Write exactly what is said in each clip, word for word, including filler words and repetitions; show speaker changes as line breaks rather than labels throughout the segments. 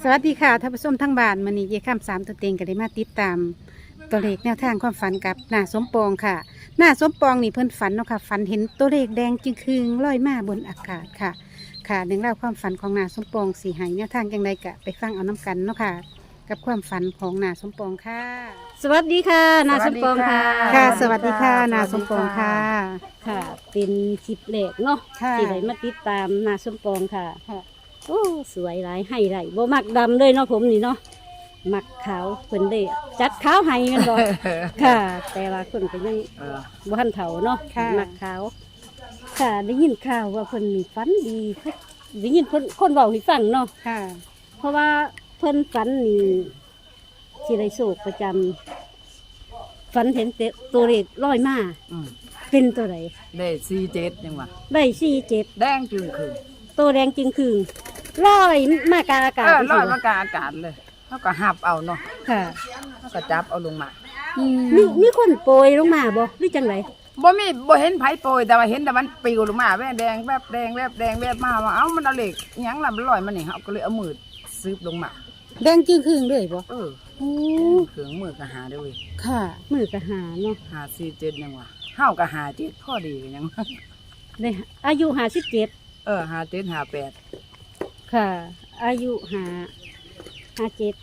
สวัสดีค่ะท่านผู้ชมทั้งบ้านมื้อนี้เยค่ำสามตัวเต็งก็ได้มาติดตามตัวเลขแนวทางความฝันกับหน้าสมปองค่ะหน้าสมปองนี่เพิ่นฝันเนาะค่ะฝันเห็นตัวเลขแดงจึงคืงลอยมาบนอากาศค่ะ ค่ะเรื่องราวความฝันของหน้าสมปองสีหายแนวทางจังไดกะไปฟังเอาน้กันเนาะค่ะ กับความฝันของหน้าสมปองค่ะ สวัสดีค่ะหน้าสมปองค่ะค่ะ สวัสดีค่ะหน้าสมปองค่ะ
ค่ะ เป็นคลิปแรกเนาะ
ค่ะ
ที่ได้มาติดตามหน้าสมปองค่ะ
ค่ะ
โอ้สวยหลายให้ไรบ่มักดำเลยเนาะผมนี่เนาะมักขาวเพิ่นได้จัดขาวให้กันบ่ ค่ะ แต่ว่าคนก็ยัง
เออ
บ่ทันเฒ่าเนาะ
ค่ะ
มักขาว ค่ะได้ยินข่าวว่าเพิ่นมีฝันดีได้ยินเพิ่นคนเว้าให้ฟังเนาะ
ค่ะ
เพราะว่าเพิ่นฝันนี่สิได้โศกประจำฝันเห็นแต่ตัวเลขลอยมา
อืม
เป็นตัวใด
ได้สี่เจ็ดยังวะ
ได้สี่เจ็ด
แดงจึงคือ
ตัวแดงจริงคือลอยมากลางอากาศ
เออลอย
จัง
มากลางอากาศเลยเขาก็หับเอาเนาะ
ค่ะ
เขาก็จับเอาลงมา
มีมีคนโปรยลงมาบ่หรือจังไร
บ่มีบ่เห็นไผโปรยแต่ว่าเห็นแต่มันปลิวลงมาแวบแดงแวบแดงแวบแดงแวบมาว่าเอ้ามันเอาเหล็กอิหยังล่ะมันลอยมานี่เขาก็เลยเอามือซืบลงมา
แดงจึงคืงเลยบ่
เออ
โอ้
เครื่องมือก็หาได้เว้ย
ค่ะ
มือกะหาเนาะ
หาสี่เจ็ดยังวะเฮาก็หาเจ็ดพอดีก็ยังวะ
ได้อายุหาสิบเจ็ด
เออหาเจ็ดหาแปด
ค่ะ อายุหาหาเจ็ด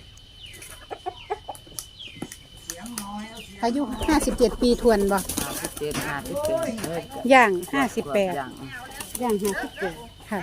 อายุห้าสิบเจ็ดปีทวนบ่
หาสิบเจ็ดหาสิบแปดเออ
ย่างห้าสิบแปด
อย่าง
ย่างหาสิบเจ็ด
ค่ะ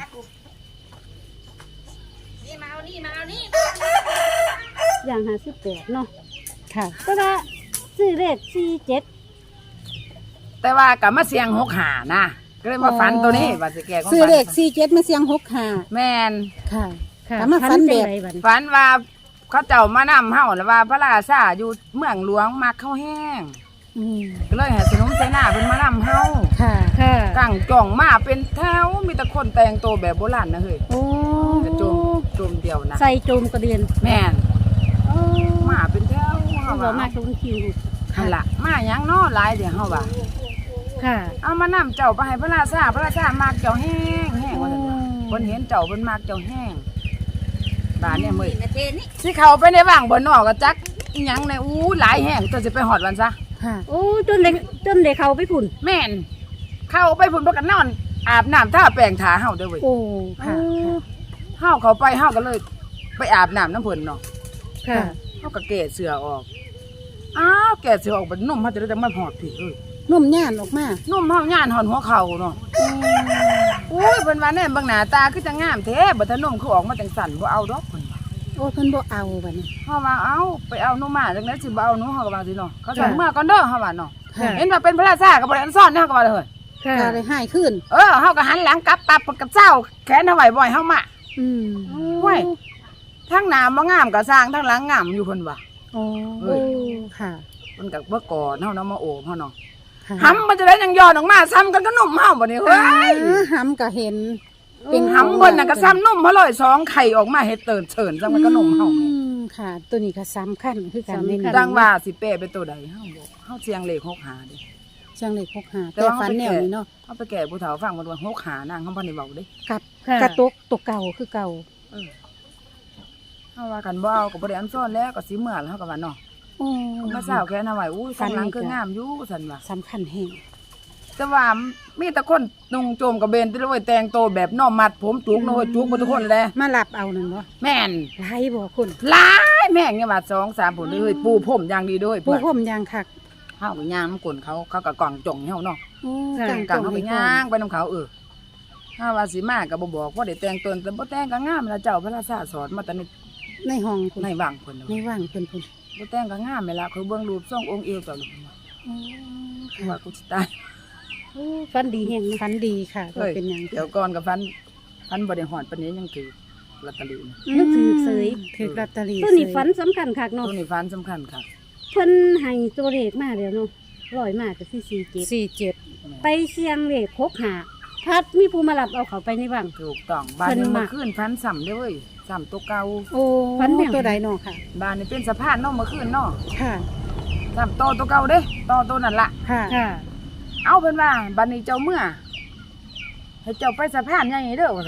ย่างหาสิบแปดเนาะ
ค่ะ
ก็ว่าซื้อเลขสี่เจ็ด
แต่ว่ากับมาเสียงหกหานะก็เลยมาฝันตัวนี้ว่าสิแก่ของ
ซื้อ
ฝัน
เลขสี่เจ็ดมาเสียงหกห้า
แม่น
ค่ะ
ค่ะ
แต่มาฝันแบบ
จังไรบัด
ฝันว่าเขาเจ้ามานำเฮาแล้วว่าพระราชาอยู่เมืองหลวงมาเข้าแห้ง
อืม
ก็เลยให้สนมเสนาเป็นมานำเฮา
ค่ะ
ค่ะ
ตั้งจ่องมาเป็นแถวมีแต่คนแต่งตัวแบบโบราณนะเฮ้ย
โอ้
กระโจมโจมเดียวนะ
ใส่โจมกระเดียน
แม่น
โอ้
มาเป็นแถว
เขา
เฮา
บอกมา
ว่า
ทุกคิว
หั่นล่ะมาหยังน้อหลายเดี๋ยวเฮาว่า
ค่ะ
เอามานำเจ้าไปให้พระราชาพระราชามากเจ้าแห้งแห้งว่าซั่นว่าเพิ่นเห็นเจ้าเพิ่นมากเจ้าแห้งบ้านเนี่ยมื้อสิเข้าไปในว่างบ่นอกก็จักอีหยังในอู้หลายแห้งตัวสิไปฮอดวันซะ
ค่ะ
โอ้จนเด็กจนเด็กเขาไปผุ่น
แม่นเข้าไปพุ่นพากันนอนอาบน้ำท่าแปรงทาเฮาเด้อเว้ย
โอ้ ค่ะ
เฮาเขาไปเฮาก็เลย ไปอาบน้ำน้ำเพิ่นเนาะ
ค่ะ
เฮาก็แก่เสื้อออกอ้าวแก่เสื้อออกเป็นนุ่มเฮาจะได้จังมาหอดพี่เอ้ย
นุ่มย่านออกมา
นุ่มเฮาย่านหอนหัวเข่าเนาะโอ้ยเพิ่นว่าแน่เบิ่งหน้าตาคือจะงามแท้บ่ถ้านุ่มคือออกมาจังสั่นบ่เอาดอกเพิ่นว่า
โอ้เพิ่นบ่เอาบัดนี้
เฮาว่าเอาไปเอาหนูมาจังได๋สิบ่เอาหนูเฮาก็ว่าสิเนาะเขาสั่งเมื่อก่อนเด้อเฮาว่าเนาะ
ค่ะ
เห็นว่าเป็นพระราชาก็บ่ได้อันซ่อนเด้อเฮาก็ว่าเลย
ค่ะ
ก็เลยให้ขึ้น
เออเฮาก็หันหลังกลับปับกับเจ้าแขนเอาไว้บ่อยเฮามา
อืม
ห้วยทั้งหน้าบ่งามก็สร้างทั้งหลังงามอยู่เพิ่นว่า
โอ้
เอ้ย
ค่ะ
เพิ่นก็บ่ก่อนเฮาเนาะมาโอบเฮาเนาะ
ค่ะ
หำมันจะได้ยังย้อนออกมาซ้ำกันก็นุ่มเฮาบ่นี่เฮ้ย
อ่าหำก็เห็น เป็น
หำเพิ่นน่ะก็ซ้ำนุ่มเฮาเลยสองไข่ออกมาเฮ็ดเตินเฉินซ้ำมันก็นุ่มเฮา
อืมค่ะ ตัวนี้ก็สำคัญคือกันในนี้
ดังว่าสิเป้เป็นตัวใดเฮาบ่เฮาเสียงเลขหกหาดิ
เชียงเล็กหกห้า
แต่
แต่
ว่า
ฝันแนวนี้เนาะ
เฮาไปแก่ผู้เฒ่าฟังมันว่าหกหานางเฮาบ่ได้เว้าเด้
กับ
ค่ะ
กระตกตกเก่าคือเก่า
เออเฮาว่ากันบ่เอาก็บ่ได้อันซ่อนแล้วก็สิเมื่อแล้วเฮาก็ว่าเนาะ
โอ้
มาสาวแค่นเอาไว้อู้สันหลังคืองามอยู่ซั่นว่า
สำคัญแห่ง
แต่ว่ามีแต่คนนุ่งโจมกระเบนที่เลยแต่งโตวแบบน้อมมัดผมจุกน้อยจุกหมดทุกคนเลย
มาหลับเอานั่นบ่
แม่น
ไล่บ่คุณ
หลายแม่งเนี่ยว่าสองสามผลเลยปูผมอย่างดีด้วย
ผู้ผมยางคัก
เฮาไปย่างน้ำกลนเขาเขาก็กล่องจ่องเฮาเนาะ
โอ้
ค่ะ
จัง
กล่
จั
อง
ง
เขาไป
ไป
ย่างไปน้ำเขาเออถ้าว่าสิมาก็บ่บอกว่าได้แต่งตนแต่บ่แต่งก็งามแล้วเจ้าพระราชาสอนมาแต่ใน
ในห้องคุณ
ในว่างเพิ่น
ในว่างเพิ่นคุณ
บ่แต่งก็งามแม่ละเขาเบิ่งรูปทรงองค์เอวเจ้าลูก
โอ้
ว่ากูสิตาย
โอ้ฟันดีแห่ง
ฝันดีค่ะก็
เฮ้ย
เป็นหยัง
เดี๋ยวก่อนกับฟันฟันบ่ได้หอดปานนี้ยังถือลอตเตอรี่นะ
นึกถือเสย
ถือลอตเตอรี่
ตัวนี้ฝันสำคัญคักเนาะ
ตัวนี้ฟันสำคัญครับ
เพิ่นให้ตัวเลขมาแล้วเนาะร้อยมากก็คือสี่เจ็ด
สี่เจ็ด
ไปเชียงเลขหกหาพัดมีผู้มารับเอาเขาไปในบ้าง
ถูกต้องบ้านนี้
เพิ่นมา
เมื่อคืนฟันซ้ำเด้อเว้ยซ้ำตัวเก่า
โอ้
ฝันแนว
ตัวใดเนาะค่ะ
บ้านนี้เป็นสะพานเนาะเมื่อคืนเนาะ
ค่ะ
ซ้ำโตอตัวเก่าเด้โตอตัวนั่นล่ะ
ค่ะ
ค่ะ
เอาเพิ่นว่าบ้านนี้เจ้าเมื่อให้เจ้าไปสะพานใหญ่เด้อว่าซั่นว่า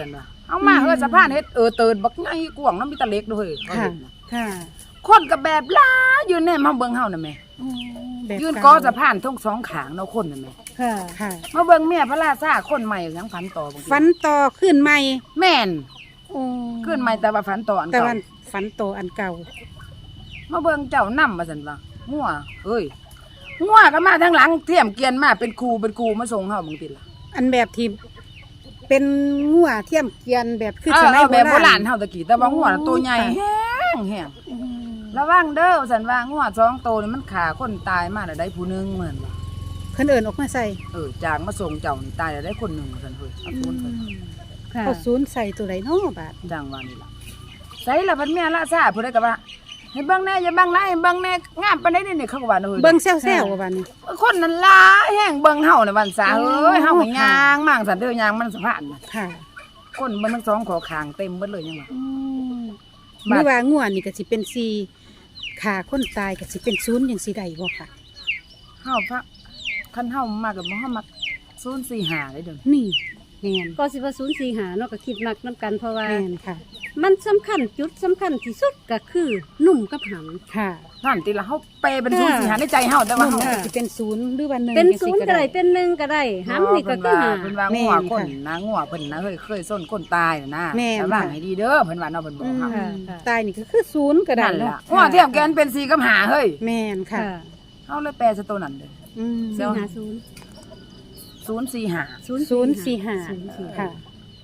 เอามาเฮ้ยสะพานเฮ็ดเออเตินบักไงกว้างน้ำมีแตะเล็กเด้อเฮ้ยเขา
ค่ะ
เห็นน่ะ
ค่ะ
คนก็แบบหลายยืนแนมมาเบิ่งเฮาน่ะแม่
แบบ
ยืน
เ
กอสะพานทั้งสองขางเนาะคนน่ะแม่
ค่ะ
ค่ะ
มาเบิ่งเมียพระราชาคนใหม่ยังฝันต่อบางที
ฝันต่อขึ้นใหม่
แม่น
โอ้
ขึ้นใหม่แต่ว่าฝันต่ออัน
แต่
เก่า
ว่าฝันโตออันเก่า
มาเบิ่งเจ้านำมาซั่นว่างัวเอ้ยงัวก็มาทางหลังเทียมเกวียนมาเป็นครูเป็นครูมาส่งเฮาบางทีล่ะ
อันแบบที่เป็นงัวเทียมเกวียนแบบคือ
เอ
ส
อ
มัย
เอา
โบ
แบบโบรา
รา
ณ
ณ
เฮาตะกี้แต่ว่างัวน่ะตัวใหญ่
ค่ะ
แห้งแห้ง
อืม
ระวังเด้อสันว่างัวสองตัวนี่มันขาคนตายมาแล้วได้ผู้หนึงเหมือนว่า
เพิ่นเอิ้นออกมาใส่
เออจางมาส่งเจ้านี่ตายแล้วได้คนหนึงสันเฮ้ยเอาคนเพิ่น
ค่ะ
เขาศูนย์ใส่ตัวไหนเนาะบาด
จังว่านี่ล่ะใส่ละพันเมียละซาผู้ใดก็ว่าให้เบิ่งแน่อย่าเบิ่งหลายให้เบิ่งแน่งามปานใดนี่นี่เขาก็ว่าเด้อ
เบิ่งแซวๆว่าบาดนี้
คนนั้นหลายแห้งเบิ่งเฮาน่ะวันซาเอ้ยเฮาก็ย่างมั่งสันเด้อย่างมันสะพานน่ะ
ค่ะ
คนเบิ่งทั้งสองขอคางเต็มเบิดเลยยังว่า
หรือว่างัวนี่ก็สิเป็นสี่ขาคนตายก็สิเป็นศูนย์จังสิได้บ่ค่ะ
เฮาพระคันเฮามากับบ่เฮามักศูนย์สี่ห้าเลยเด้อ
นี่แม่น
ก็สิว่าศูนย์สี่หาเนาะก็คิดมักน้ำกันเพราะว่า
แม่นค่ะ
มันสำคัญจุดสำคัญที่สุดก็คือหนุ่มกับห
ค่ะ
นั่นติละเฮาเปเป็นศูนย์สี่ห้าในใจเฮาแต่ว่า
นุ่ม
เฮา
ก็สิเป็นศูนย์หรือว่าหนึ่ง
ำเป็น
จัง
ศู
สิ
นย์ก็ได้เป็นหนึ่งก็ได้หำนี่ก็คือหา
เพิ่นว่า
แม่
งัวน
ค่ะ
คนนะงัวเพิ่นนะเคยเคยส้นคนตายน่ะนะ
แม่น
ระวัง
ค่ะ
ให้ดีเด้อเพิ่นว่าเนาะเพิ่นบอก
อืม
เฮา
ค่ะค่ะ
ตายนี่ก็คือศูนย์ก็ได้
นั่น
เนาะ
ล่ะงัวเทียมแกนเป็นสี่กับห้าเฮ้ย
แม่นค่ะ
ค่ะ
เฮาเลยแปลซะตัวนั้นเด้อ
อืม
สี่หาศูนย์
ศูนย์สี่ห้า
ศูนย์
ศูนย์สี่ห้า
ศูนย์สี่
ค่ะ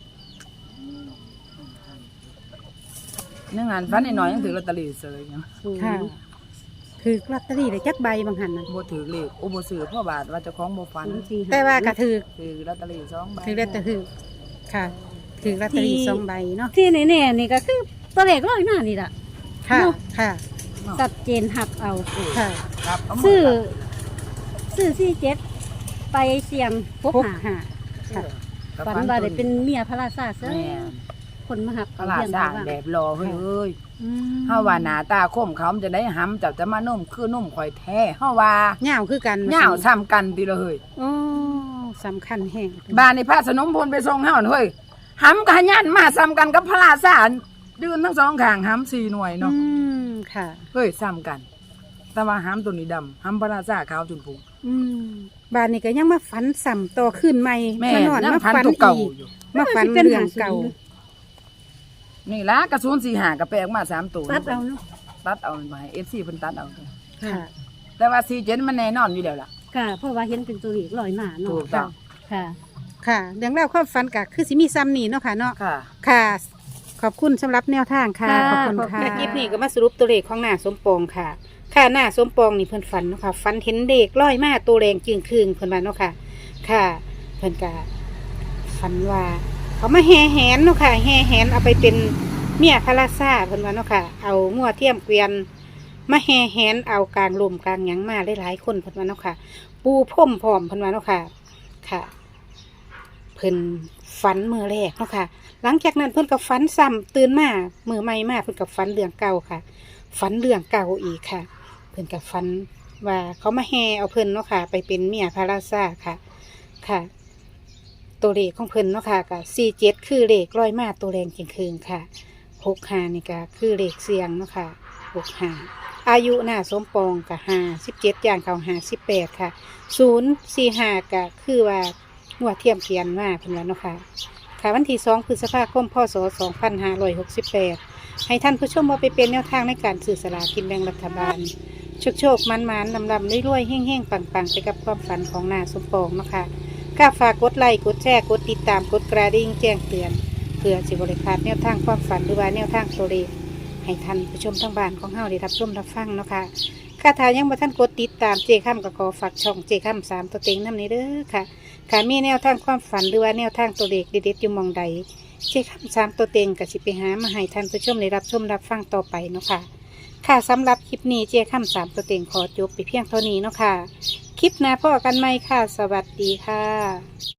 เนื่องงานฟันน้อยๆยังถือลอตเตอรี่เสยเนาะ
ศูนย์
ค่ะ คือลอตเตอรี่ได้จักใบบางหันน่ะ
บ่ถือเลขโอ้บ่ซื้อเพราะบาทว่าเจ้าของบ่ฟัน
ศูนย์สี่ห้
แต่ว่าก็ถือ
ถือลอตเตอรี่สองใบ
ถือลอตเตอรี่ค่ะ ถือลอตเตอรี่สองใบเนาะ
ที่แน่ๆนี่ก็คือตัวเลขร้อยหน้านี่ล่ะ
ค่ะ
เนาะ
ค่ะ
ชัดเจนหักเอา
ค่ะ
ครับเามา
ซื้อซื้อสี่เจ็ดไปเสี่ยงพบ
พก
หา
หาค่ะ
กับ
ฝันว่าได้เป็นเมียพระราชาเสือ
แม่น
คนมาหัก
ตลาด
เยี่ยม
สร้าง
บ้าง
แบบรอเฮ้ยเอ้ย
อืม
เฮาว่าหน้าตาคมเขามันจะได้หำเจับจะมานุ่มคือนุ่มข่อยแท้เฮาว่า
เหย้าคือกัน
เหย้าซ้ำกันติละเฮ้ย
โอ้สำคัญแห้ง
บ้านในพระสนมพลไปส่งเฮาน่ะเฮ้ยหำกับยันมาซ้ำกันกับพระราชายืนทั้งสองข้างหำสี่หน่วย
อื
เนาะ
มค่ะ
เฮ้ยซ้ำกัน แต่ว่าหำตัวนี้ดำหำพระราชาขาวจนพุง
อืมบ้านนี้ก็ยังมาฝันซ้ำต่อขึ้นใหม่
แม่
มานอน
ยัง
มา
พัน
ฝัน
ตัวเก่า
อีก
อยู่
มาฝัน
เป็น
เรื่อง
หาศูนย์
เก่า
นี่ละกระสุนสี่หากระแปลกมาสามตัว
ตัดเอาเนาะ
ตัดเอามาให้เอฟซีเพิ่นตัดเอา
ค่ะ
แต่ว่าสี่เจ็ดมันแน่นอนอยู่แล้วล่ะ
ค่ะ เพราะว่าเห็นเป็นตัวเลขร้อยหน้า
ถู
เนาะ
กต้อง
ค่ะ
ค่ะเรื่องเล่าวความฝันก็คือสิมีซ้ำนี่เนาะค่ะเนาะ
ค่ะ
ค่ะ ขอบคุณสำหรับแนวทางค่ะ
ค่ะ
ขอบคุณ
ขอบคุ
ค่ะ
ณ
คลิปนี้ก็มาสรุปตัวเลขของหน้าสมปองค่ะ ค่ะหน้าสมปองนี่เพิ่นฝันเนาะค่ะฝันเห็นเด็กร้อยมาตัวแรงจึงคืงเพิ่นว่าเนาะค่ะ ค่ะเพิ่นก็ฝันว่า เขามาแห่แหนเนาะค่ะแห่แหนเอาไปเป็นเมียพระราชาเพิ่นว่าเนาะค่ะ เอางัวเทียมเกวียนมาแห่แหนเอากลางลมกลางหยังมาหลายๆคนเพิ่นว่าเนาะค่ะ ปูพรมพร้อมเพิ่นว่าเนาะค่ะ ค่ะ เพิ่นฝันมือแรกเนาะค่ะ หลังจากนั้นเพิ่นก็ฝันซ้ำตื่นมามือใหม่มาเพิ่นก็ฝันเรื่องเก่าค่ะ ฝันเรื่องเก่าอีกค่ะ เพิ่นก็ฝันว่าเขามาแห่เอาเพิ่นเนาะค่ะ ไปเป็นเมียพระราชาค่ะ ค่ะ ตัวเลขของเพิ่นเนาะค่ะก็สี่เจ็ดคือเลขร้อยมาตัวแรงจริงคืนค่ะหกห้านี่ก็คือเลขเสียงเนาะค่ะหกห้าอายุหน้าสมปองกับห้าสิบเจ็ดย่างเขาห้าสิบแปดค่ะศูนย์สี่ห้าก็คือว่าหัวเทียมเขียนมาเพิ่นว่าเนาะค่ะ ค่ะวันที่สองพฤษภาคมพศสองพันห้าร้อยหกสิบแปดให้ท่านผู้ชมมาไปเป็นแนวทางในการสื่อสลากกินแบ่งรัฐบาล โชคโชคมันมันลำลำรวยๆแห้งๆ ปังๆ ไปกับความฝันของนาสมปองเนาะคะก็ฝากกดไลค์กดแชร์กดติดตามกดกระดิ่งแจ้งเตือนเพื่อสิบริพลาดแนวทางความฝันหรือว่าแนวทางตัวเลขให้ท่านผู้ชมทั้งบ้านของเฮาได้รับชมรับฟังเนาะค่ะค่าทายังบ่ท่านกดติดตามเจค่ำก็ขอฝากช่องเจค่ำสามตัวเต็งน้ำนี้เด้อค่ะค่ะมีแนวทางความฝันหรือว่าแนวทางตัวเลขเด็ดๆอยู่หมองใดเจค่ำสามตัวเต็งก็สิไปหามาให้ท่านผู้ชมได้รับชมรับฟังต่อไปเนาะค่ะค่ะสำหรับคลิปนี้เจค่ำสามตัวเต็งขอจบไปเพียงเท่านี้เนาะค่ะคลิปหน้าพ่อกันไหมค่ะสวัสดีค่ะ